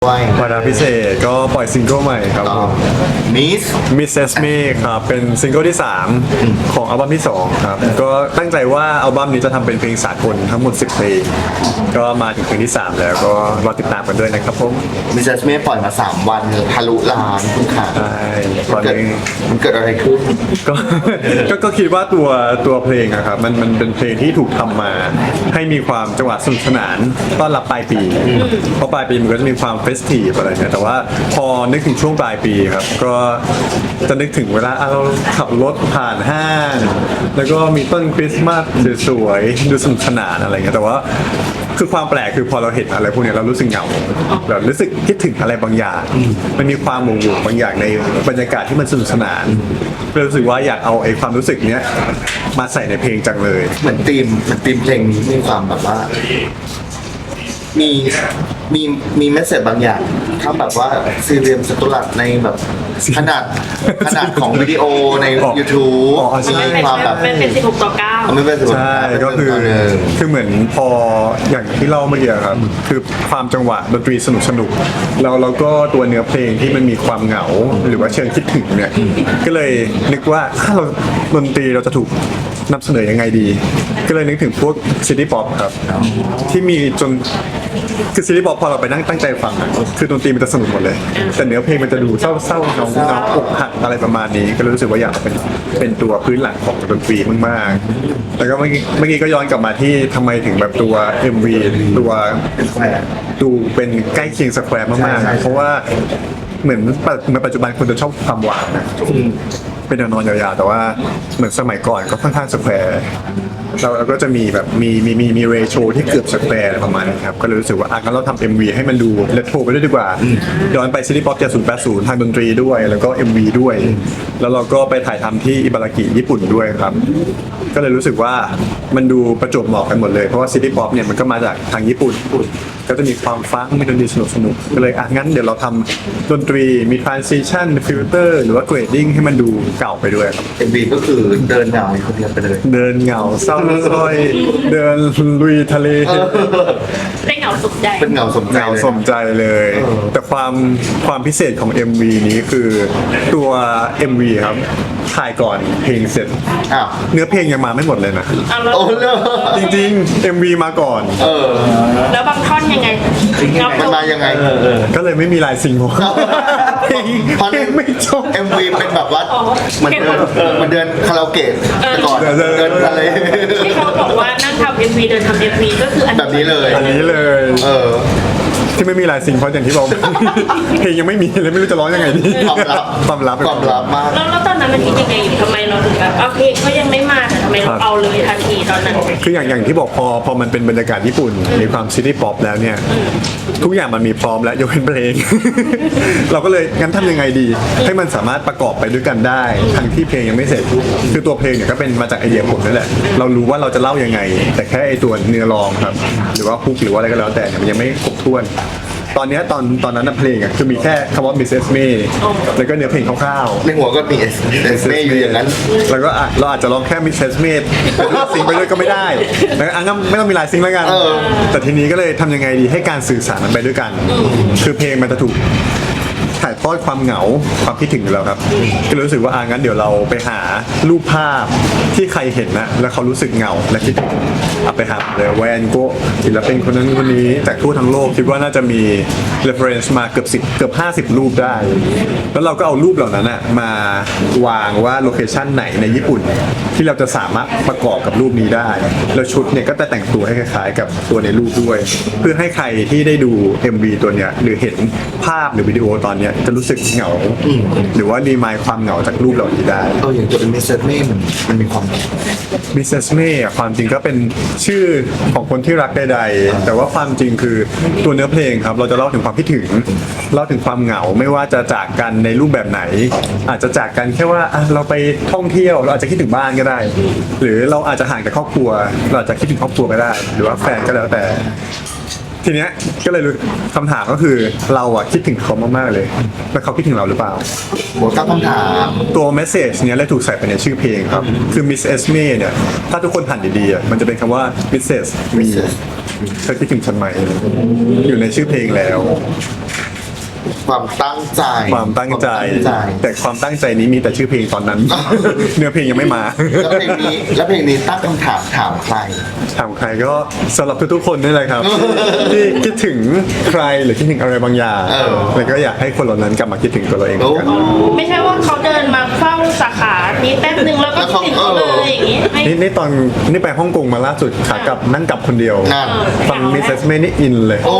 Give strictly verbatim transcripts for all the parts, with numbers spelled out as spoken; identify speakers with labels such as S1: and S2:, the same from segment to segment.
S1: วาระพิเศษก็ปล่อยซิงเกิลใหม่ครับ
S2: มิส
S1: มิสเซสเมครับเป็นซิงเกิลที่สามของอัลบั้มที่สองครับก็ตั้งใจว่าอัลบั้มนี้จะทำเป็นเพลงสากลทั้งหมดสิบเพลงก็มาถึงเพลงที่สามแล้วก็รอติดตามกันด้วยนะครับผม
S2: มิสเซสเมปล่อยมาสามวันทะลุล้านคุณขา
S1: ใช่ตอนนี้
S2: มันเกิดอะไรขึ้น
S1: ก็ก็ก็คิดว่าตัวตัวเพลงอะครับมันมันเป็นเพลงที่ถูกทำมาให้มีความจังหวะสนุกสนานต้อนรับปลายปีเพราะปลายปีมันก็จะมีความเฟสทีฟอะไรเนี่ยแต่ว่าพอนึกถึงช่วงปลายปีครับก็จะนึกถึงเวลาเราขับรถผ่านห้างแล้วก็มีต้นคริสต์มาสสวยๆดูสนุกสนานอะไรเงี้ยแต่ว่าคือความแปลกคือพอเราเห็นอะไรพวกนี้เรารู้สึกเหงาแบบรู้สึกคิดถึงอะไรบางอย่างมันมีความหม่งหม่งบางอย่างในบรรยากาศที่มันสนุกสนานรู้สึกว่าอยากเอาไอ้ความรู้สึกเนี้ยมาใส่ในเพลงจังเลย
S2: เหมือนธีมเหมือนธีมเพลงนี้มีความแบบว่ามีมีมีเมสเซจบางอย่างถ้าแบบว่าซีเรียมสตุลัดในแบบขนาดขนาดของวิดีโอใน YouTube
S3: มีความแบบเป็นสิบหกต่อเก้า
S2: ไม่เป็น
S1: ใช่ก็คือคือเหมือนพออย่างที่เล่าเมื่อกี้ครับคือความจังหวะดนตรีสนุกสนุกแล้วเราก็ตัวเนื้อเพลงที่มันมีความเหงาหรือว่าเชิงคิดถึงเนี่ยก็เลยนึกว่าถ้าเราดนตรีเราจะถูกนำเสนอยังไงดีก็เลยนึกถึงพวกซิตี้ป๊อปครับที่มีจนคือซิตี้ป๊อปพอเราไปนั่งตั้งใจฟังคือดนตรีมันจะสนุกหมดเลยแต่เนื้อเพลงมันจะดูเศร้าๆเงาเงาอกหักอะไรประมาณนี้ก็รู้สึกว่าอยากเป็นเป็นตัวพื้นหลังของดนตรีมากๆแล้วก็เมื่อกี้เมื่อกี้ก็ย้อนกลับมาที่ทำไมถึงแบบตัว เอ็ม วี ตัวดูเป็นใกล้เคียงสแควร์มากๆเพราะว่าเหมือนในปัจจุบันคนจะชอบความหวานนะเป็นแนวนอนยาวๆแต่ว่าเหมือนสมัยก่อนก็ค่อนข้างสแควร์เราก็จะมีแบบมีมีมีมีเรโชที่เกือบสแควร์ประมาณนี้ครับก็เลยรู้สึกว่าอ่ะงั้นเราทำ เอ็ม วี ให้มันดูเรโทรไปด้วยดีกว่าย้อนไปซิตี้ป๊อปเจ็ดศูนย์แปดศูนย์ทางดนตรีด้วยแล้วก็ เอ็ม วี ด้วยแล้วเราก็ไปถ่ายทำที่อิบารากิญี่ปุ่นด้วยครับก็เลยรู้สึกว่ามันดูประจวบเหมาะกันหมดเลยเพราะว่าซิตี้ป๊อปเนี่ยมันก็มาจากทางญี่ปุ่นก็จะมีความฟังมีดนตรีสนุกสนุกก็เลยอ่ะงั้นเดี๋ยวเราทำดนตรีมี transition filter หรือว่า grading ให้มันดูเก่าไปด้วยครับ
S2: เอ็ม วี ก็คือเดินเหงาคนเดียวไปเลย
S1: เดินเหงาเศร้าส้อยเดินลุยทะเล
S3: เป็นเหงาสมใจ
S2: เป็นเหงาสมใจ
S1: เหงาสมใจเลยแต่ความความพิเศษของ เอ็ม วี นี้คือตัว เอ็ม วี ครับถ่ายก่อนเพลงเสร็จเนื้อเพลงยังมาไม่หมดเลยนะ
S2: โอ้เลย
S1: จริงๆ เอ็ม วี มาก่อน
S2: เออ
S3: แล้วบางท่อนยังไง
S2: มันมายังไง
S1: ก็เลยไม่มีลายซิงค์เพลงเพลงไม่จบ
S2: เอ็ม วี เป็นแบบว่าเหมือนเดินเหมือนเดินคาราโอเกะแต่ก่อนเดินอะไร
S3: ที่เขาบอกว่านั่งทำ เอ็ม วี เดินทำ เอ็ม วี ก็คือ
S2: แบบนี้เลย
S1: อันนี้เลย
S2: เออ
S1: ที่ไม่มีลายซิงค์เพราะอย่างที่บอกเพลงยังไม่มีเลยไม่รู้จะร้องยังไงดี
S2: ความลับ
S1: ความลับ
S2: ความลับมาก
S3: แล้วตอนนั้นมันคิดยังไงอยู่ทำไมเราถึงแบบเพลงเขายังไม่มาแต่ทำไมเราเอาเลยทันทีตอนนั้น
S1: คืออย่างอย่างที่บอกพอพอมันเป็นบรรยากาศญี่ปุ่นมีความซิตี้ป๊อปแล้วเนี่ยทุกอย่างมันมีพร้อมแล้วยกเว้นเพลงเราก็เลยงั้นทำยังไงดีให้มันสามารถประกอบไปด้วยกันได้ทั้งที่เพลงยังไม่เสร็จคือตัวเพลงเนี่ยก็เป็นมาจากไอเดียผมนั่นแหละเรารู้ว่าเราจะเล่ายังไงแต่แค่ไอตัวเนื้อร้องครับหรือว่าฮุกหรือว่าอะไรก็แล้วแต่มันยังไม่ครบถ้วนตอนนี้ตอนตอนนั้นเพลงอ่ะคือมีแค่คำว่า มิส เอส May แล้วก็เนื้อเพลงคร่าว
S2: ๆในหัวก็มี เอส May อยู่อย่างนั้น
S1: แล้วก็อ่ะเราอาจจะร้องแค่ มิส เอส May เป็นลายซิงไปด้วยก็ไม่ได้แล้วอ่ะงั้นไม่ต้องมีลายซิงแล้วกันแต่ทีนี้ก็เลยทำยังไงดีให้การสื่อสารมันไปด้วยกันคือเพลงมันจะถูกถ่ายทอดความเหงาความคิดถึงเราครับก็รู้สึกว่าอ่ะงั้นเดี๋ยวเราไปหารูปภาพที่ใครเห็นนะแล้วเขารู้สึกเหงาและคิดถึงเอาไปหาเลยแวนโกศิลปินคนนั้นคนนี้จากทั่วทั้งโลกคิดว่าน่าจะมี reference มาเกือบสิบเกือบห้าสิบรูปได้แล้วเราก็เอารูปเหล่านั้นนะมาวางว่าโลเคชั่นไหนในญี่ปุ่นที่เราจะสามารถประกอบกับรูปนี้ได้แล้วชุดเนี่ยก็จะแต่งตัวให้คล้ายๆกับตัวในรูปด้วยเพื่อให้ใครที่ได้ดู เอ็ม วี ตัวเนี้ยหรือเห็นภาพหรือวิดีโอตอนเนี้ยจะรู้สึกเหงาหรือว่ารีมายความเหงาจากรูปเหล่านี้ได้
S2: เอออย่างตัวเป็น มิส เอส May มันมันมีความ
S1: มิส เอส May อ่ะความจริงก็เป็นชื่อของคนที่รักใดๆแต่ว่าความจริงคือตัวเนื้อเพลงครับเราจะเล่าถึงความคิดถึงเล่าถึงความเหงาไม่ว่าจะจากกันในรูปแบบไหนอาจจะจากกันแค่ว่าเราไปท่องเที่ยวเราอาจจะคิดถึงบ้านก็ได้หรือเราอาจจะห่างจากครอบครัวเราอาจจะคิดถึงครอบครัวก็ได้หรือว่าแฟนก็แล้วแต่ทีเนี้ยก็เลยคำถามก็คือเราอะคิดถึงเขามากๆเลยแล้วเขาคิดถึงเราหรือเปล่า
S2: หัวตั้งคำถาม
S1: ตัวเมสเซจเนี้ยเลยถูกใส่ไปในชื่อเพลงครับคือ มิส เอส May เนี่ยถ้าทุกคนผ่านดีๆมันจะเป็นคำว่า มิส เซส Me เธอคิดถึงฉันไหมอยู่ในชื่อเพลงแล้ว
S2: ความตั้งใจ
S1: ความตั้งใจ
S2: ความตั้งใจ
S1: แต่ความตั้งใจนี้มีแต่ชื่อเพลงตอนนั้น เนื้อเพลงยังไม่มา
S2: แล้วเพลงนี้แล้วเพลงนี้ตั้งคำถามถามใคร
S1: ถามใครก็สำหรับทุกๆคนนี่แหละครับ ที่คิดถึงใครหรือคิดถึงอะไรบางอย่าง
S2: เออ
S1: แล้วก็อยากให้คนเหล่านั้นกลับมาคิดถึงตัวเราเองเหมือนกัน
S3: ไม่ใช่ว่าเขาเดินมาเฝ้าสาขานี้แป๊บนึงแล้วก็ติดเขาเลยอย่างงี้ไม่
S1: นี่นี่ตอนนี่ไปฮ่องกงมาล่าสุดขากลับนั่งกลับคนเดียว
S2: นั่น
S1: ฟังมิสเซสเมนี่อินเลย
S2: โอ้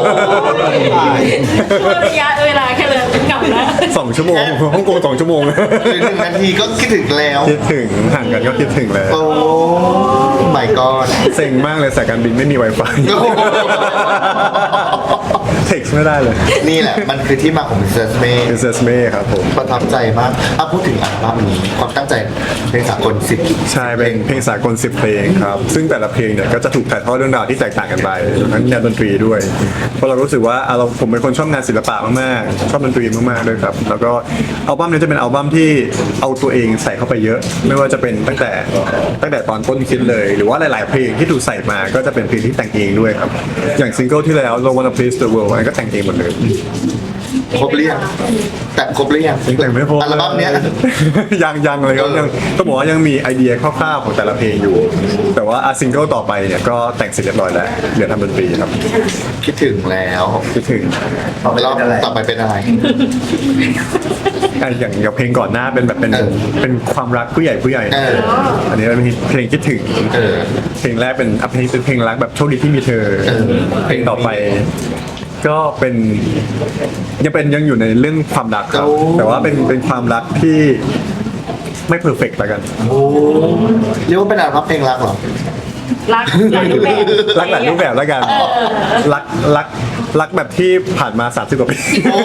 S3: ช่วงระยะเวลาแค่เลยกลับแล้ว
S1: สองชั่วโมงฮ่องกงสองชั่วโมง
S2: หรือหนึ่งนาทีก็คิดถึงแล้ว
S1: คิดถึงห่างกันก็คิดถึงแล้ว
S2: โอ้ my god
S1: เซ็งมากเลยสายการบินไม่มี Wi-Fi
S2: โอ้โห
S1: เท็กซ์ไม่ได้เลย
S2: นี่แหละมันคือที่มาของ Mister May
S1: มิสเซสเมครับผม
S2: ประทับใจมากอ่ะพูดถึงอัลบั้มนี้ความตั้งใจเพลงสากลสิบ
S1: ใช่เป็นเพลงสากลสิบเพลงครับ ซึ่งแต่ละเพลงเนี่ยก็จะถูกถ่ายทอดเรื่องราวที่แตกต่างกันไปรวมทั้งแนวดนตรีด้วย เพราะเรารู้สึกว่าอ่ะเราผมเป็นคนชอบงานศิลปะมากๆ ชอบดนตรีมากๆด้วยครับ แล้วก็อัลบั้มนี้จะเป็นอัลบั้มที่เอาตัวเองใส่เข้าไปเยอะ ไม่ว่าจะเป็นตั้งแต่ตั้งแต่ตอนต้นคิดเลย หรือว่าหลาย ๆ เพลงที่ถูกใส่มาก็จะเป็นเพลงที่แต่งเองด้วยครับ อย่างซิงเกิลที่แล้ว Don't Wanna Please the World อันนนก็แต่งเองหมดเลย
S2: ครบหรือยังแต่ครบหรือยัง
S1: แต่งไม่พอ
S2: อัลบั้มเนี้ย
S1: ยังยังเลยครับยังต้องบอกว่ายังมีไอเดียคร่าวๆของแต่ละเพลงอยู่ แต่ว่าอาซิงเกิลต่อไปเนี่ยก็แต่งเสร็จเรียบร้อยแล้วเหลือทำดนตรีครับ
S2: คิดถึงแล้ว
S1: คิดถึง
S2: แล้วต่อไปเป็นอะไร
S1: อ่ะอย่างอย่างเพลงก่อนหน้าเป็นแบบเป็น
S2: เออ
S1: เป็นความรักผู้ใหญ่ผู้ใหญ่
S2: เออ
S1: อันนี้เป็นเพลงคิดถึง
S2: เออ
S1: เพลงแรกเป็นอ่ะเพลงเป็นเพลงรักแบบโชคดีที่มีเธอ
S2: เออ
S1: เพลงต่อไป ก็เป็นยังเป็นยังอยู่ในเรื่องความรักครับ
S2: โอ้
S1: แต่ว่าเป็นเป็นความรักที่ไม่เพอร์เฟกต์แล้วกัน
S2: โอ้เรียกว่าเป็นอัลบั้มเพลงรักเหรอ
S3: รักหลายรูปแบบ
S1: รักหลายรูปแบบแล้วกัน รักรักรักแบบที่ผ่านมาสามสิบกว่าปี
S2: โอ้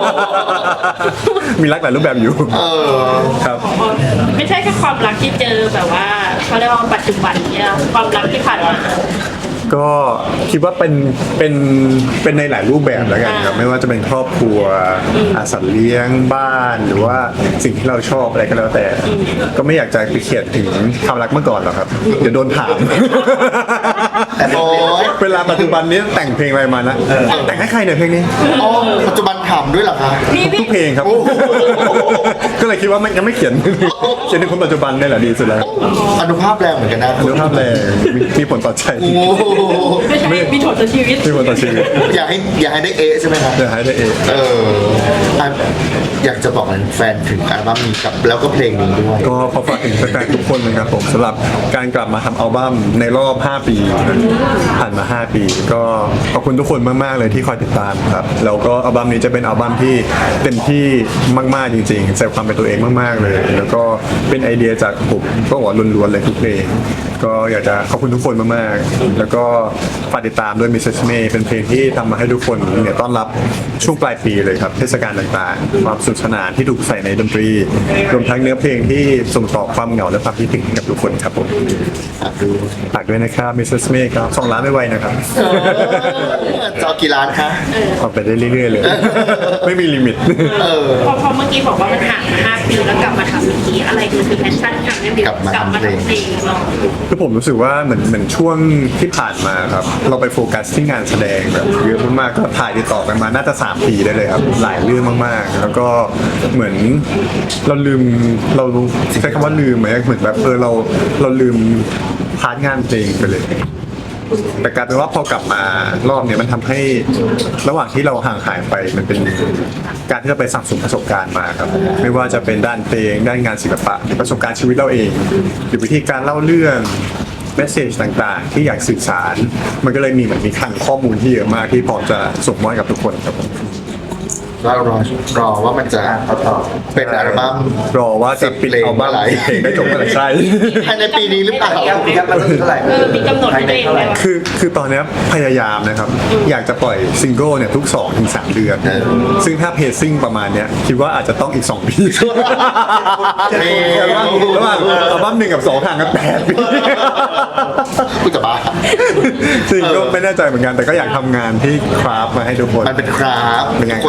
S1: มีรักหลายรูปแบบอยู่
S2: เออ
S1: ครับ
S3: ไม่ใช่แค่ความรักที่เจอแบบว่าเขาเรียกว่าปัจจุบันเนี่ยความรักที่ผ่านมา
S1: ก็คิดว่าเป็นเป็นเป็นในหลายรูปแบบแล้วกันครับไม่ว่าจะเป็นครอบครัวอาสัตว์เลี้ยงบ้านหรือว่าสิ่งที่เราชอบอะไรก็แล้วแต่ ก็ไม่อยากจะไปเขียนถึงความรักเมื่อก่อนหรอกครับเดี๋ยวโดนถาม
S2: โอ้ย
S1: เวลาปัจจุบันนี้แต่งเพลงอะไรมานะแต่งให้ใครเนี่ยเพลงนี้
S2: อ๋อปัจจุบันถามด้วยเหรอคะ
S3: พี่พี่
S1: ทุกเพลงครับ
S2: โอ้โห
S1: ก็เลยคิดว่าไม่ยังไม่เขียน เขียนในคนปัจจุบันนี่แหละดีสุดแล้ว
S2: อนุภาพแรงเหมือนกันนะ
S1: อนุภาพแรงมีมีผลต่อใจ
S2: โอ้โห
S3: ไม่ใช่มีถอดชีวิต
S1: มีผลต่อชีวิต
S2: อยากให้อยากให้ได้เอะใช่ไหมครับ
S1: เดี๋ยวให้ได้เอง
S2: เอออ่ะอยากจะบอกแฟนถึงอัลบั้มนี้กับแล้วก็เพลงนี้ด้วย
S1: ก็ขอฝากถึงแฟนๆทุกคนนะครับผมสำหรับการกลับมาทำอัลบั้มในรอบ ห้า ปีผ่านมา ห้า ปี ก็ขอบคุณทุกคนมากๆเลยที่คอยติดตามครับแล้วก็อัลบั้มนี้จะเป็นอัลบั้มที่เต็มที่มากๆจริงๆใส่ความเป็นตัวเองมากๆเลย แล้วก็เป็นไอเดียจากผมก็บอกว่าล้วนๆเลยทุกเพลงก็อยากจะขอบคุณทุกคนมากๆแล้วก็ฝากติดตามด้วย มิสเซส May เป็นเพลงที่ทำมาให้ทุกคนเนี่ยต้อนรับช่วงปลายปีเลยครับเทศกาลต่างๆความสนุกสนานที่ถูกใส่ในดนตรีรวมทั้งเนื้อเพลงที่ส่งต่อความเหงาและความคิดถึงให้กับทุกคนครับผม
S2: ฝากดู
S1: ฝากด้วยนะครับ มิสเซส May ครับสองล้านไม่ไวนะครับ
S2: จะเอากี่ล้านคะ
S1: ออกไปได้เรื่อยๆเลย ไม่มีลิมิต
S2: เออ
S3: พอพอเมื่อกี้บอกว่ามันห่างมาห้าปีแล้วกลับมาทำอีกทีอะไรคือคือแพชชั่นทำให้บิว
S2: กลับมาทำเพลง
S3: เพลงเนาะ
S1: คือผมรู้สึกว่าเหมือนเหมือนช่วงที่ผ่านมาครับ เราไปโฟกัสที่งานแสดงแบบเยอะมากๆก็ถ่ายติดต่อกันมาน่าจะสามปีได้เลยครับ หลายเรื่องมากๆ แล้วก็เหมือนเราลืมเราใช้คำว่าลืมไหมเหมือนแบบเออเราเราลืมพาร์ทงานเพลงไปเลย แต่กลายเป็นว่าพอกลับมารอบเนี้ยมันทำให้ระหว่างที่เราห่างหายไปมันเป็นการที่เราไปสั่งสมประสบการณ์มาครับไม่ว่าจะเป็นด้านเพลงด้านงานศิลปะหรือประสบการณ์ชีวิตเราเอง หรือวิธีการเล่าเรื่องเมสเซจต่างๆ ที่อยากสื่อสาร มันก็เลยมีเหมือนมีคลังข้อมูลที่เยอะมากที่พร้อมจะส่งมอบให้กับทุกคนครับผม
S2: ก็รอรอว่ามันจะเป็นอัลบั้ม
S1: รอว่าจะปิดอัลบั้มสิบเพลงได้จบเมื่อไหร่ใช่
S2: ภายในปีนี้หรือเปล่า
S4: ครับมันเท่าไหร่
S3: เออมีกำหนดให้ตัวเองไหมว่า
S1: คือคือตอนเนี้ยพยายามนะครับ อยากจะปล่อยซิงเกิลเนี่ยทุกสองถึงสามเดือน
S2: เออ
S1: ซึ่งถ้าเพซซิ่งประมาณเนี้ยคิดว่าอาจจะต้องอีกสองปี
S2: เฮ้ย
S1: ระหว่างอัลบั้มหนึ่งกับสองห่างกันแปดปี
S2: กูจะบ้า
S1: จริงก็ไม่แน่ใจเหมือนกันแต่ก็อยากทำงานที่คราฟมาให้ทุกคน
S2: มันเป็นคราฟ
S1: เป็นงาน
S2: กดรอ
S1: ใช้เว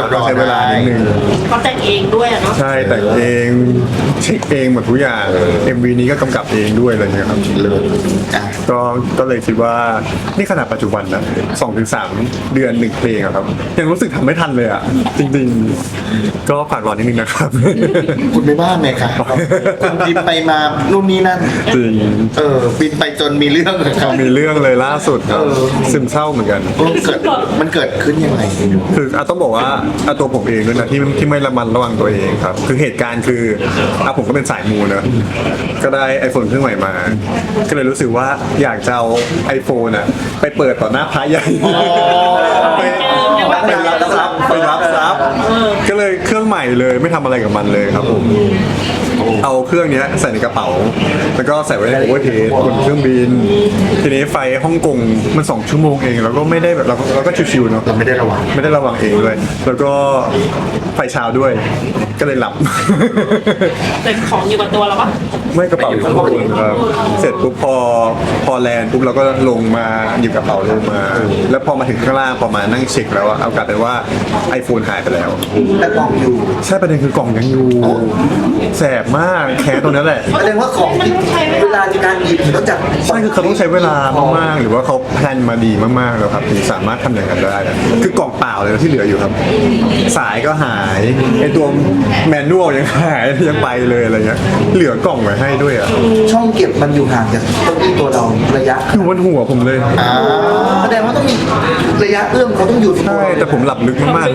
S1: เวลานิดนึง
S3: เขาแต่งเองด้วยอะเนาะ
S1: ใช่แต่งเองเช็คเองหมดทุกอย่าง เอ็ม วี นี้ก็กำกับเองด้วยอะไรเงี้ยครับ
S2: เลยอ่ะ
S1: ก็ก็เลยคิดว่านี่ขนาดปัจจุบันนะสองถึงสามเดือนหนึ่งเพลงอะครับ ยังรู้สึกทำไม่ทันเลยอ่ะ จริงๆ ก็ฝากรอนิดนึงนะครับ
S2: คุณไม่บ้าไหมคะคุณบินไปมานู่นนี่นั่น
S1: จริง
S2: เออบินไปจนมีเรื่องเลยครับ
S1: มีเรื่องเลยล่าสุดครับซึมเศร้าเหมือนกัน
S2: เออเกิดมันเกิดขึ้นยังไง
S1: คืออ่ะต้องบอกว่าอ่ะตัวผมเองด้วยนะที่ที่ไม่ระมัดระวังตัวเองครับ คือเหตุการณ์คืออ่ะผมก็เป็นสายมูเนอะก็ได้ iPhone เครื่องใหม่มา ก็เลยรู้สึกว่าอยากจะเอา iPhone อ่ะไปเปิดต่อหน้าพระใหญ่ไปไปรับทรัพย์ไปรับทรัพย์ก็เลยเครื่องใหม่เลยไม่ทำอะไรกับมันเลยครับผมเอาเครื่องเนี้ยใส่ในกระเป๋า แล้วก็ใส่ไว้ในโอเวอร์เทสบนเครื่องบิน ทีนี้ไฟฮ่องกงมันสองชั่วโมงเองแล้วก็ไม่ได้แบบเราเราก็ชิวๆเนาะ
S2: เราไม่ได้ระวัง
S1: ไม่ได้ระวังเองด้วย แล้วก็ไฟเช้าด้วย ก็เลยหลับ
S3: แต่ของอยู่กับตัวเราปะ
S1: ไม่กระเป๋าอยู่ข้างบนครับ เสร็จปุ๊บพอพอแลนด์ปุ๊บเราก็ลงมาหยิบกระเป๋าลงมา แล้วพอมาถึงข้างล่างพอมานั่งเช็คแล้วอะเอากลับไปว่า iPhone หายไปแล้ว
S2: แต่กล่องอยู่
S1: ใช่ประเด็นคือกล่องยังอยู่ แสบมากแค่ตรงนั้นแหละ
S2: แสดงว่าของที่เวลาในการหยิบก็จะ
S1: ใช่คือเขาต้องใช้เวลามากๆ หรือว่าเขาแพลนมาดีมากๆแล้วครับถึงสามารถทำอย่างนั้นได้นะคือกล่องเปล่าเลยที่เหลืออยู่ครับ สายก็หายไอตัวแมนนวลยังหายยังไปเลยอะไรเงี้ยเหลือกล่องไว้ให้ด้วยอ่ะ
S2: ช่องเก็บมันอยู่ห่างจากเก้าอี้ตัวเราระยะ
S1: อยู่บนหัวผมเลย
S2: อ่าแสดงว่าต้องมีระยะเอื้อมเขาต้องอยู่ที่
S1: ใช่แต่ผมหลับลึกมาก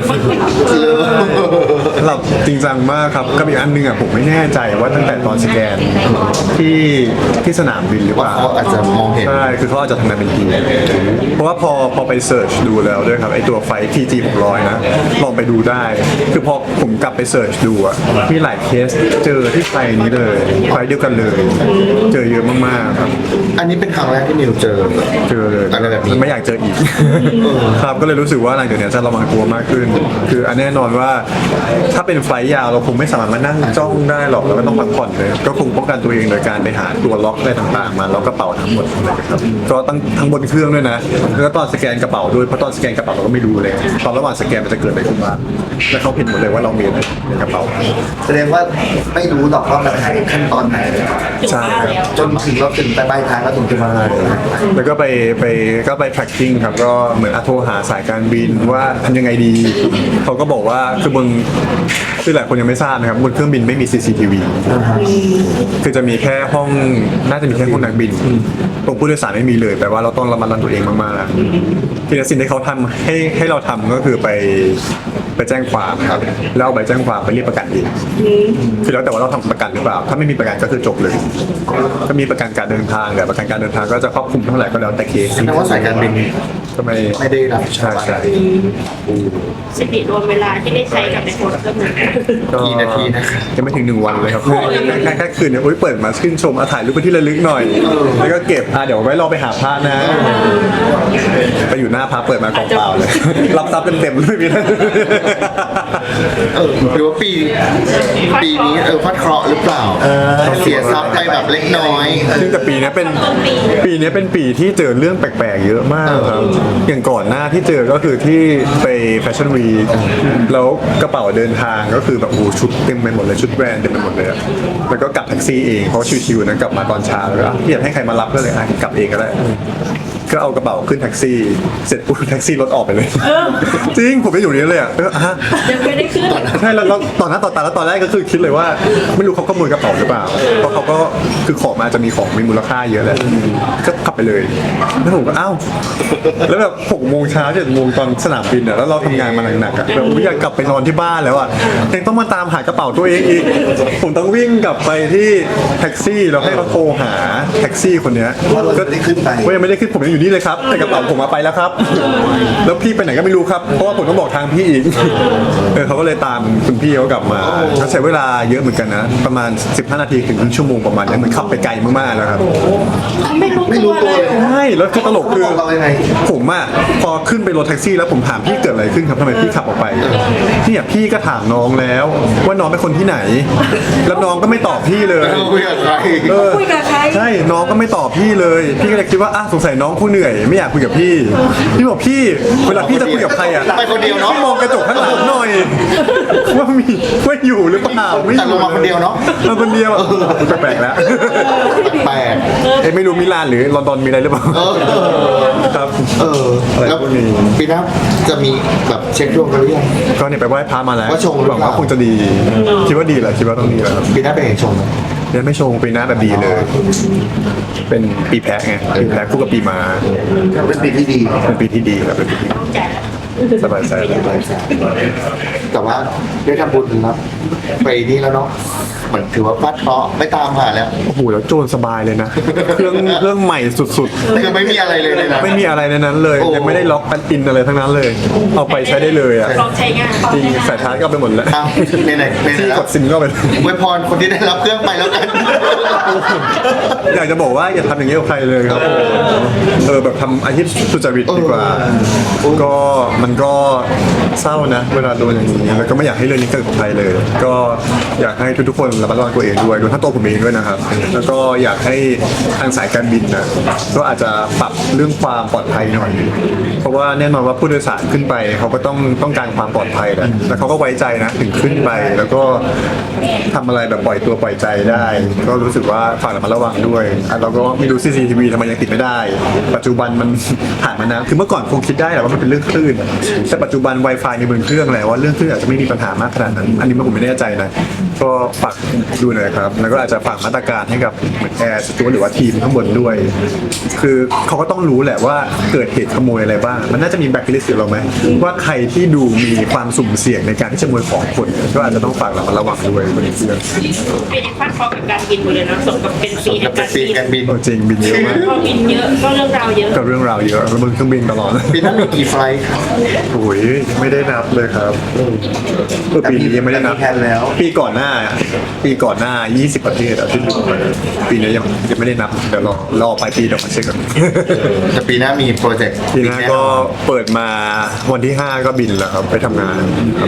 S1: ๆหลับจริงจังมากครับก็มีอันนึงอ่ะผมไม่แน่ใจว่าตั้งแต่ตอนสแกนที่ที่สนามบินหรือเป
S2: ว่า
S1: ล่า
S2: เขาอาจจะมองเห็น
S1: ใช่ คือเขาอาจจะทำงานเป็นทีมเพราะว่าพอพอไปเสิร์ชดูแล้วด้วยครับไอตัวไฟ ที จี หกร้อยนะ ลองไปดูได้ คือพอผมกลับไปเสิร์ชดูอะมีหลายเคสเจอที่ไฟนี้เลย ไฟเดียวกันเลย เจอเยอะมากๆครับ
S2: อันนี้เป็นครั้งแรกที่นิวเจอ
S1: เจอเลย
S2: อะไรแบบนี้
S1: ไม่อยากเจออีก ครับ ก็เลยรู้สึกว่าหลังจากนี้จะระวังตัวมากขึ้น คืออันแน่นอนว่าถ้าเป็นไฟล์ยาวเราคงไม่สามารถมานั่งจ้องได้หรอกเราก็ต้องพักผ่อนเลย ก็คงป้องกันตัวเองโดยการไปหาตัวล็อกอะไรต่างๆ มาล็อกกระเป๋าทั้งหมดเลยครับก็ตั้งทั้งบนเครื่องด้วยนะ แล้วก็ตอนสแกนกระเป๋าด้วย เพราะตอนสแกนกระเป๋าเราก็ไม่รู้เลย ตอนระหว่างสแกนมันจะเกิดอะไรขึ้นบ้างแล้วเขาเห็นหมดเลยว่าเรามีอะไรในกระเป๋า
S2: แสดงว่าไม่รู้หรอกว่ามันหายขั้นตอนไหน
S3: ถึงบ้านแล้ว
S2: จนถึงเราถึงไปปลายทางแล้วถึงจะมา
S1: แล้วก็ไปไปก็ไป tracking ครับก็เหมือนอะโทรหาสายการบินว่าทำยังไงดี เขาก็บอกว่าคือบนคือหลายคนยังไม่ทราบนะครับบนเครื่องบินไม่มี ซี ซี ที วี คือจะมีแค่ห้องน่าจะมีแค่ห้องนักบินตรงผู้โดยสารไม่มีเลยแปลว่าเราต้องระมัดระวังตัวเองมากๆทีนี้สิ่งที่เขาทำให้ให้เราทำก็คือไปไปแจ้งความครับแล้วเอาใบแจ้งความไปเรียกประกันเองคือแล้วแต่ว่าเราทำประกันหรือเปล่า ถ้าไม่มีประกันก็คือจบเลยถ้ามีประกันการเดินทางแต่ประกันการเดินทางก็จะครอบคลุมเท่าไหร่ก็แล้วแต่เคส
S2: แสดงว่าสายการบิน
S1: ก็ไม่
S2: ไม่ได้รับผิดชอ
S1: ใช่
S2: บอะไร
S1: ใช่
S3: สิริรวมเวลาที่ได้ใช้กับในโพสต์ก็เหมือนกัน
S2: กี่นาทีนะครับ
S1: ยังไม่ถึงหนึ่งวันเลยครับแค่แค่คืนเนี่ยโอ้ยเปิดมาชื่นชมอาถ่ายรูปเป็นที่ระลึกหน่อย แล้วก็เก็บอ่ะเดี๋ยวไว้รอไปหาพระนะ ไปอยู่หน้าพระเปิดมากองเปล่าเลย รับทรัพย์เต็มๆไม่มีนะ
S2: เออหรือว่าปีปีนี้เออพัดเคราะห์หรือเปล่าเสียทรัพย์ไปแบบเล็กน้อยเออ
S1: ซึ่งแต่ปีนี้เป็นปีนี้เป็นปีที่เจอเรื่องแปลกๆเยอะมากครับอย่างก่อนหน้าที่เจอก็คือที่ไปแฟชั่นวีแล้วกระเป๋าเดินทางก็คือแบบโอ้ชุดเต็มไปหมดเลยชุดแบรนด์เต็มไปหมดเลยอะแล้วก็กลับแท็กซี่เองเพราะชิวๆนะกลับมาตอนเช้าเลยอ่ะพี่อยากให้ใครมารับก็เลยอ่ะกลับเองก็ได้ก็เอากระเป๋าขึ้นแท็กซี่เสร็จปุ๊บแท็กซี่รถออกไปเลยจริงผมไปอยู่นี้เลยอ่ะเออฮะ
S3: ยังไม่ได้ขึ้น
S1: ใช่แล้วแล้วตอนนั้นตอนตาแล้วตอนแรกก็คือคิดเลยว่า ไม่รู้เขาขโมยกระเป๋าหรือเปล่าเพราะเขาก็คือของมาจะมีของมีมูลค่าเยอะแหละก็ขับไปเลยแล้วผมก็อ้าวแล้วแบบหกโมงเช้าเจ็ดโมงตอนสนามบินอ่ะแล้วเราทำงานมาหนักๆอ่ะแบบอยากกลับไปนอนที่บ้านแล้วอ่ะยังต้องมาตามหากระเป๋าตัวเองอีกผมต้องวิ่งกลับไปที่แท็กซี่แล้วให้เขาโทรหาแท็กซี่คนเนี้ย
S2: ว่าเราไม่ได้ขึ้นไป
S1: ก็ยังไม่ได้ขึ้นผมยังอยู่นี่เลยครับแต่กระเป๋าผมมาไปแล้วครับ แล้วพี่ไปไหนก็ไม่รู้ครับเพราะว่าผมต้องบอกทางพี่อีกเออเขาก็เลยตามคุณพี่เขากลับมาเขาใช้เวลาเยอะเหมือนกันนะประมาณสิบห้านาทีถึงครึ่งชั่วโมงประมาณนี้เหมือนขับไปไกลมากๆแล้วครับ
S3: ไม่รู้
S2: ไม่รู้
S3: ตัว
S2: ตัว
S3: เลย
S2: เลย
S1: ใช่แล้วคือตลกคือ
S2: เขาบอกเรายังไง
S1: ผมอะพอขึ้นไปรถแท็กซี่แล้วผมถามพี่เกิดอะไรขึ้นครับทำไมพี่ขับออกไปพี่อะพี่ก็ถามน้องแล้วว่าน้องเป็นคนที่ไหน แล้วน้องก็ไม่ตอบพี่เลย
S2: เราคุยกับใคร
S1: เออ
S3: คุยกับใคร
S1: ใช่น้องก็ไม่ตอบพี่เลย พี่ก็เลยคิดว่าอ่ะสงสัยน้องคงเหนื่อยไม่อยากคุยกับพี่พี่บอกพี่เวลาพี่จะคุยกับใครอะ
S2: ไปคนเดียวเนาะ
S1: พี่มองกระจกข้างหลังหน่อยว่ามีว่าอยู่หรือเปล่าไม่อ
S2: แต่ล
S1: ยู่
S2: งมาคนเดียวเนาะ
S1: มาคนเดียวแปลกๆแล้ว
S2: แปลก
S1: เอ้ยไม่รู้มิลานหรือลอนดอนมีอะไรหรือเปล่า
S2: เออ
S1: ครับ
S2: เออ
S1: อะไร
S2: แล้ว
S1: พวกนี้
S2: ปีหน้าจะมีแบบเช็คดวงกันหรือยัง
S1: ก็เนี่ยไปไหว้พระมาแล้ว
S2: ว่าชงหรือ
S1: ห
S2: เป
S1: วั
S2: ล่า
S1: งว่าคงจะดี คิดว่าดีแหละคิดว่าต้องดีแหละครับ
S2: ปีหน้าเป็นเอกชงไหม
S1: เนี่ยไม่ชงปีหน้าแบบดีเลย เป็นปีแพะไงปีแพะคู่กับปีม้า
S2: เป็นปีที่ดี
S1: เป็นปีที่ดีครับเป็นปีที่
S3: ต้องจ่ายแล้ว
S1: สบายใจสบายใจ
S2: แต่ว่าได้ทำบุญรับไปนี่แล้วเนาะเหมือนถือว่าฟาดเคราะห์ไม่ตามหาแล้ว
S1: โอ้โหแล้วโจรสบายเลยนะ เครื่องเครื่องใหม่สุด
S2: คือไม่มีอะไรเลยเลยนะ
S1: ๆ ไม่มีอะไรในนั้นเลย
S2: โอ้
S1: ยังไม่ได้ล็อกกันอินอะไรทั้งนั้นเลย เอาไปใช้ได้เลยอ่ะ
S3: ลองใช้งาน
S1: จริงสายชาร์จก็เอาไปหมดแล้ว
S2: เอาในไหนในไหน
S1: ที่
S2: แล้
S1: ก
S2: ว
S1: ดซิมก็เอาไป
S2: อวยพรคนที่ได้รับเครื่องไปแล้วกัน
S1: อยากจะบอกว่าอย่าทำอย่างนี้กับใครเลยครับเออแบบทำอาชีพสุจริตดีกว่า
S2: เออ
S1: ก็มันก็เศร้านะ เวลาโดนอย่างนี้แล้วก็ไม่อยากให้เรื่องนี้เกิดกับใครเลย ก็อยากให้ทุกๆคนระมัดระวังตัวเองด้วยรวมทั้งตัวผมเองด้วยนะครับ แล้วก็อยากให้ทางสายการบินนะก็อาจจะปรับเรื่องความปลอดภัยหน่อย เพราะว่าแน่นอนว่าผู้โดยสารขึ้นไปเขาก็ต้องต้องการความปลอดภัยแหละแล้วเขาก็ไว้ใจนะถึงขึ้นไป แล้วก็ทำอะไรแบบปล่อยตัวปล่อยใจได้ ก็รู้สึกว่าฝากระมัดระวังด้วยอ่ะเราก็ไม่รู้ ซี ซี ที วี ทำไมยังติดไม่ได้ ปัจจุบันมัน ผ่านมานานคือเมื่อก่อนคงคิดได้แหละว่ามันเป็นเรื่องคลื่นแต่ปัจจุบัน Wi-Fi ในบนเครื่องแล้วว่าเรื่องคลื่นอาจจะไม่มีปัญหามากขนาดนั้น อันนี้ผมไม่แน่ใจนะก็ฝากดูหน่อยครับแล้วก็อาจจะฝากมาตรการให้กับแอร์สตูหรือว่าทีมข้างบนด้วย คือเขาก็ต้องรู้แหละว่าเกิดเหตุขโมยอะไรบ้าง มันน่าจะมีแบ็คลิสต์เราไหมว่าใครที่ดูมีความสุ่มเสี่ยงในการที่จะขโมยของคนก็อาจจะต้องฝากเรามาระวังด้วยบนเครื่อง
S3: เป็นฟาดเคราะห์กับการบินหมดเลยนะสมกับเป็นปีแห่
S2: จะ
S3: ง
S2: เป็น
S3: การ
S2: ปี
S3: บิน
S2: การบิน
S1: โอ้จริงบินเยอะมาก
S3: พอบินเยอะก็เรื่องราวเยอะ
S1: ก็เรื่องราวเยอะแล้วบนเครื่องบินตลอด
S2: ปีหน้ามีกี่ไฟล์ครับ
S1: โอ้ยไม่ได้นับเลยครับเออปีนี้ยังไม่ได้นับ
S2: แต่มีแผนแล้ว
S1: ปีก่อนหน้า ปีก่อนหน้า ยี่สิบ ประเทศอะที่ดูมาปีนี้ยังยังไม่ได้นับเดี๋ยวรอรอปลายปีเดี๋ยวมาเช็คกัน
S2: แต่ปีหน้ามีโปรเจกต์
S1: ปีหน้าก็เปิดมาวันที่ห้าก็บินแล้วครับไปทำงานครับ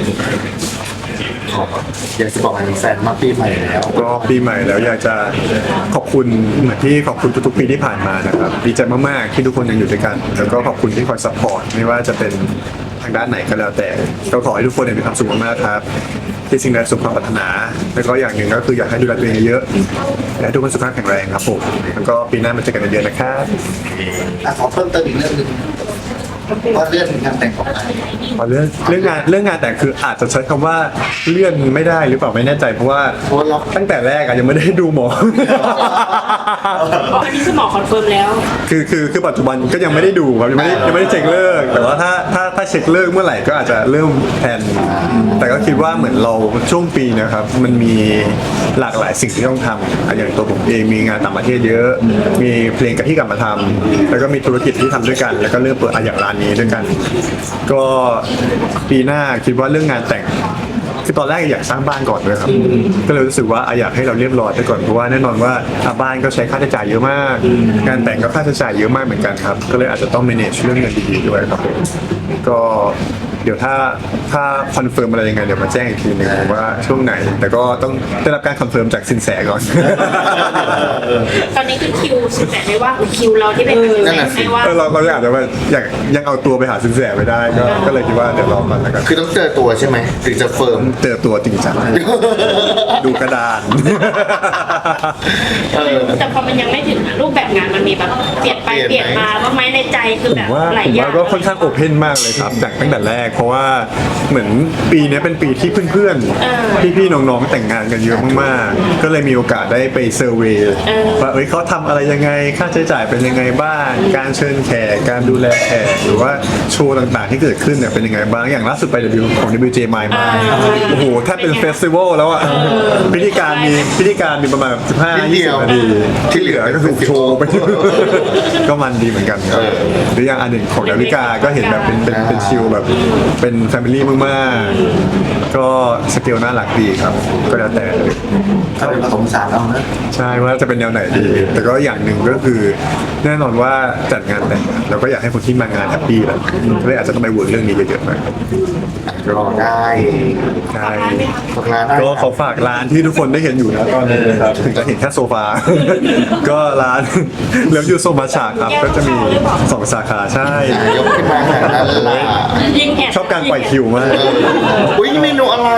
S2: อยากจะบอกให้แฟนมากปีใหม่แล้ว
S1: ก็ปีใหม่แล้วอยากจะขอบคุณเหมือนที่ขอบคุณทุกๆปีที่ผ่านมานะครับดีใจมากๆที่ทุกคนยังอยู่ด้วยกัน แล้วก็ขอบคุณที่คอยซัพพอร์ตไม่ว่าจะเป็นทางด้านไหนก็แล้วแต่ก็ขอให้ทุกคนมีความสุขมากๆครับที่สิ่งใดสมความปรารถนาแล้วก็อย่างหนึ่งก็คืออยากให้ดูแลตัวเองเยอะและให้ทุกคนสุขภาพแข็งแรงครับผมแล้วก็ปีหน้ามาเจอกันเดือนนะครับ
S2: อ่ะขอเพิ่มเติมอีกเรื่องหนึงว่าเรื่องงานแต่งของนาย
S1: พอเรื่องเรื่องงานเรื่องงานแต่งคืออาจจะใช้คำว่าเลื่อนไม่ได้หรือเปล่าไม่แน่ใจเพราะว่า
S2: เพราะว่าล็อก
S1: ตั้งแต่แรกอะยังไม่ได้ดูหมอ
S3: เพราะอันนี้คือหมอคอนเฟิร์มแล้ว
S1: คือคือคือปัจจุบันก็ยังไม่ได้ดูครับยังไม่ได้ยังไม่ได้เช็คเลิกแต่ว่าถ้าถ้าถ้าเช็คเลิกเมื่อไหร่ก็อาจจะเริ่มแผนแต่ก็คิดว่าเหมือนเราช่วงปีนะครับมันมีหลากหลายสิ่งที่ต้องทำอ่ะอย่างตัวผมเองมีงานต่างประเทศเยอะ มีเพลงกับที่กลับมาทำแล้วก็มีธุรกิจที่ทำด้วยกัน แล้วก็เริ่มเปิดอ่ะอย่างร้านนี้ด้วยกัน ก็ปีหน้าคิดว่าเรื่องงานแต่ง คือตอนแรกอยากสร้างบ้านก่อนด้วยครับ ก็เลยรู้สึกว่าอ่ะอยากให้เราเรียบร้อยไปก่อนเพราะว่าแน่นอนว่าอ่ะบ้านก็ใช้ค่าใช้จ่ายเยอะมาก งานแต่งก็ค่าใช้จ่ายเยอะมากเหมือนกันครับ ก็เลยอาจจะต้อง manage เรื่องเงินดีๆด้วยครับผมก็เดี๋ยวถ้าถ้าคอนเฟิร์มอะไรยังไงเดี๋ยวมาแจ้งอีกทีหนึงว่าช่วงไหน แต่ก็ต้องได้รับการคอนเฟิร์มจากสินแสก่อน
S3: ตอนนี้คือคิวสิบแปดไม่ว่างคิวเราที่เป็น
S2: นั่นน่ะสิ
S3: ไม่ว่าง
S1: เออเราเราอยากจะว่าอยากยังเอาตัวไปหาสินแสไม่ได้ก็ก็เลยคิดว่าเดี๋ยวรอมันแล้วกัน
S2: คือต้องเจอตัวใช่ไหมถึงจะเฟิร์ม
S1: เจอตัวจริงจังดูกระดาน
S2: เออ
S3: แต่พอมันยังไม่ถึงอะรูปแบบงานมันมีแบบเปลี่ยนไป
S2: เป
S3: เป
S2: ลี่
S3: ลี่
S2: ย
S3: ย
S2: น
S3: น
S2: ไหม
S3: มาว่าไหมในใจคือแบบ
S1: ว่า
S3: หลาย
S1: ผม
S3: อย่า
S1: ว่าง ก็ค่อนข้างโอเพนมากเลยครับจากตั้งแต่แรก เพราะว่าเหมือนปีนี้เป็นปีที่เพื่อนๆพี่ๆน้องๆแต่งงานกันเยอะมากๆก็เลยมีโอกาสได้ไปเซอร์เวย์ว่าเอ้ยเขาทำอะไรยังไงค่าใช้จ่ายเป็นยังไงบ้างการเชิญแขกการดูแลแขกหรือว่าโชว์ต่างๆที่เกิดขึ้นเนี่ยเป็นยังไงบ้างอย่างล่าสุดไป W ของ ดับเบิลยู เจ มายมาโอ้โหแทบเป็นเฟสติวัลแล้วอ่ะพิธีการมีพิธีการมีประมาณสิบห้า
S2: นิดเดี
S1: ยี่
S2: ย
S1: สิบ
S2: ว
S1: นาทีที่เหลือก็คือโชว์ไป ก็มันดีเหมือนกันครับหรืออย่างอันหนึ่งของดาวิกาก็เห็นแบบเป็นเป็นเป็นชิลแบบเป็นแฟมิลี่มากๆ ก็สเกลน่ารักดีครับ ก็แล้วแต่
S2: ถ้าเป็นผสมสารเอานะ
S1: ใช่ว่าจะเป็นแนวไหนดี แต่ก็อย่างหนึ่งก็คือแน่นอนว่าจัดงานแต่งเราก็อยากให้คนที่มางานแฮปปี้แหละก็เลยอาจจะต้องไปเวิร์กเรื่องนี้เยอะๆหน่อย
S2: รอได้
S1: ใช่
S2: ฝากร้านได้
S1: ก็ขอฝากร้านที่ทุกคนได้เห็นอยู่นะตอนนี้นะครับถึงจะเห็นแค่โซฟา ก็ร้านเลิฟยูโซมาชาครับก็จะมีสองสาขาใช่
S2: อ่ะยกขึ้นมาขนาดนั้นล่ะ
S3: ยิงแอบ
S1: ชอบการปล่อยคิวมาก
S2: อุ้ยนี่เมนูอะไร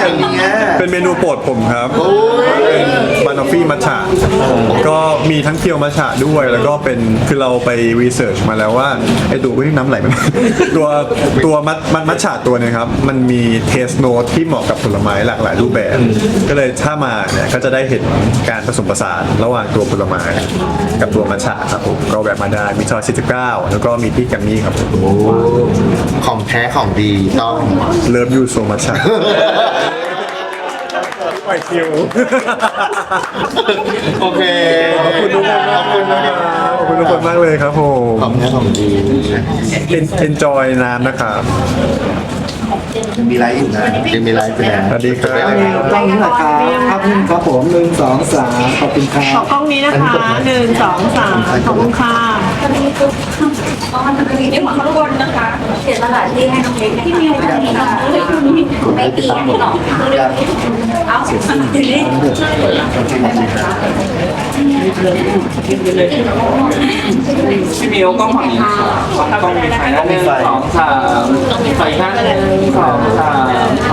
S2: เนี่ย
S1: เป็นเมนูโปรดผมครับ
S2: โอ้ย
S1: เป็นบานอฟฟี่มัทฉะก็มีทั้งเคียวมัทฉะด้วยแล้วก็เป็นคือเราไปรีเสิร์ชมาแล้วว่าไอตัวที่น้ำไหลมัน ตัวตัวมัทมัทมัทฉะตัวเนี้ครับมันมีเทสโนตที่เหมาะกับผลไม้หลากหลายรูปแบบ ก็เลยถ้ามาเนี่ยก็จะได้เห็นการผสมผสานระหว่างตัวผลไม้กับตัวมัทฉะครับผมก็แวะมาได้มีซอยสี่สิบเก้าแล้วก็มีที่แกัมมี่ครับผม
S2: ของแท้ของดีต้อง
S1: เลิฟยูโซมัทฉะปล่อยคิว
S2: โอเค
S1: ขอบคุณทุกคนมากเลยนะครับขอบคุณทุกคนมากเลยครับผม
S2: ของแท้ของดี
S1: enjoy น้ำนะครับ
S2: มีไลฟ์อยู่นะยังมีไลฟ์อยู่นะ
S1: สวัสดีครับ
S4: กล้องนี้แหละครับภาพนิ่งครับผมหนึ่งสองสามขอบคุณครั
S5: ขอบ กล้องนี้นะคะหนึ่งสองสามขอบคุณค่ะ
S3: เดี๋ยวขอข้างบนนะคะเสียสละที่ให้น้องเล็กที่มีอะไรที่น้องเล็กไม่ตีให้หรอกเอาทีนี้
S4: พี่มิวกล้องฝั่งนี้กล้องมีไฟนะหนึ่งสองสามไฟข้างหนึ่งสองสาม